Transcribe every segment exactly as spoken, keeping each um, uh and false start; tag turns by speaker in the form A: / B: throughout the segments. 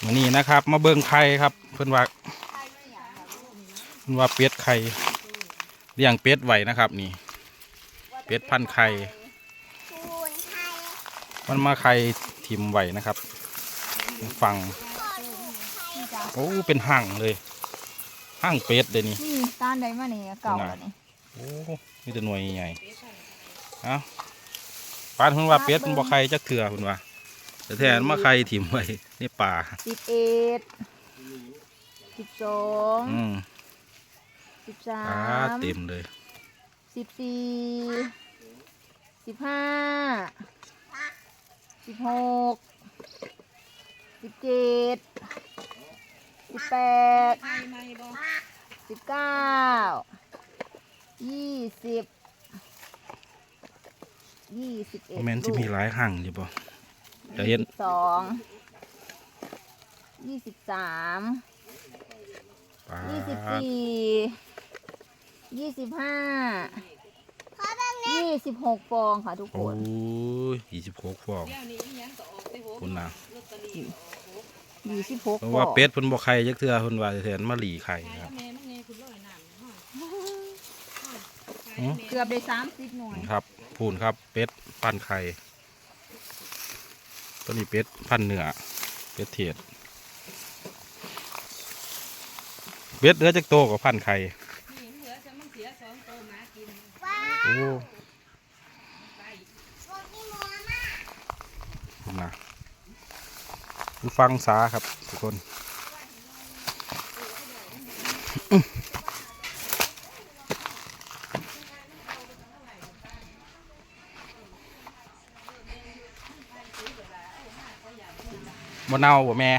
A: วันนี้นะครับมาเบิ่งไข่ครับเพิ่นว่าเพิ่นว่าเป็ดไข่เลี้ยงเป็ดไว้นะครับนี่เป็ดพันไข่มันมาไข่ถิ่มไว้นะครับฟังโอ้เป็นห่างเลยห่างเป็ดเลยนี่
B: นี่ต้านได้มาเนี่ยเก่าแล้วนี่
A: โอ้มีแต่หน่วยใหญ่เอ้าปานเพิ่นว่าเป็ดมันบ่ไข่จักเถื่อเพิ่นว่าแต่แทนมาไข่ถิ่มไว้ในป่า
B: สิบเอ็ดสิบสอง
A: อืม
B: สิบสา
A: อ่าม เต็มเลย
B: สิบสี่สิบห้าสิบหกสิบเจ็ดสิบแปดสิบเก้ายี่สิบยี่สิบเอ็ด
A: แม่นที่มีหลายห่างอยู่บ่จะเห็น
B: สองยี่สิบสาม
A: ปลา
B: ยี่สิบสี่ยี่สิบห้ายี่สิบหกฟองค่ะทุกค
A: โอ้
B: น
A: ยยี่สิบหกฟองคุณนะ
B: ยี่สิบหก
A: เพราะ
B: ฟอ
A: ว่าง เป็ดเพิ่นบ่ไข่จักเทื่อเพิ่นว่าแทนมาหลีไข่ครับ
B: เกือบได้สามสิบหน่วย
A: ครับพูนครับเป็ดพันไข่ตัวนี้เป็ดพันเนื้อเป็ดเทียดเป็ดเหลือจักโตกับพันไข่โอ้นะดูฟังสาครับทุกคนบ่เน่าบ่แม่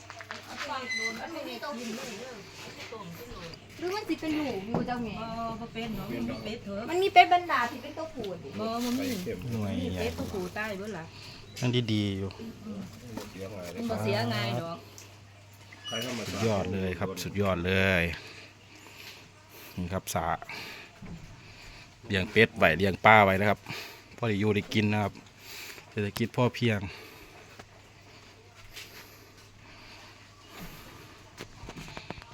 B: หรือมันสิเป็นหนูอยู่เจ้าแม่
C: บ่บ่เป็นเนาะมันมีเป็ดเถอะ
B: มันมีเป็ดบรรดาที่เป็นตัวผูด
C: บ่มันมี
A: หน่วย
C: มี
A: ใหญ่
C: เป็ดตัวผู้ใต้เบิดล่ะ
A: ยังดีๆอยู่
C: มันบ่เสียง่ายดอก
A: สุดยอดเลยครับสุดยอดเลยนี่ครับสาเลี้ยงเป็ดไว้เลี้ยงปลาไว้นะครับพอได้อยู่ได้กินนะครับเศรษฐกิจพ่อเพียง